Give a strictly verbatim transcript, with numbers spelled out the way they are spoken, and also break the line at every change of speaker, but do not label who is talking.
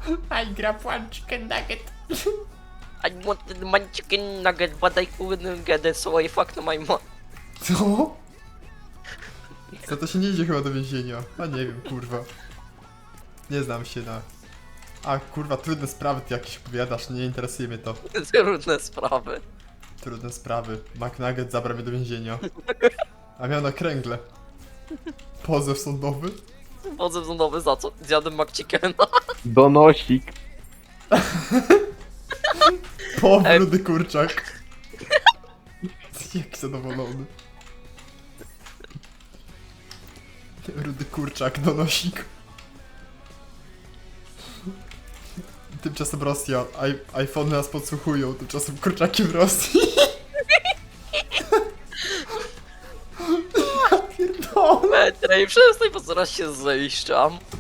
I grab one chicken nugget.
I wanted my chicken nugget, but I couldn't get it, so I fucked my mom.
Co? Za to się nie idzie chyba do więzienia. A nie wiem, kurwa. Nie znam się na... A kurwa, trudne sprawy ty jakieś opowiadasz, nie interesuje mnie to.
Trudne sprawy.
Trudne sprawy. McNugget zabrał mnie do więzienia. A miał na kręgle. Pozew sądowy?
Pozew sądowy za co? Zjadłem McChickena.
Donosik.
Po
Ej.
rudy kurczak. Jak zadowolony. Rudy kurczak, donosik. Tymczasem Rosja, I iPhone nas podsłuchują, tymczasem kurczaki w Rosji. Ja pierdolę.
Petrej, przestań, bo zaraz się zejszczam.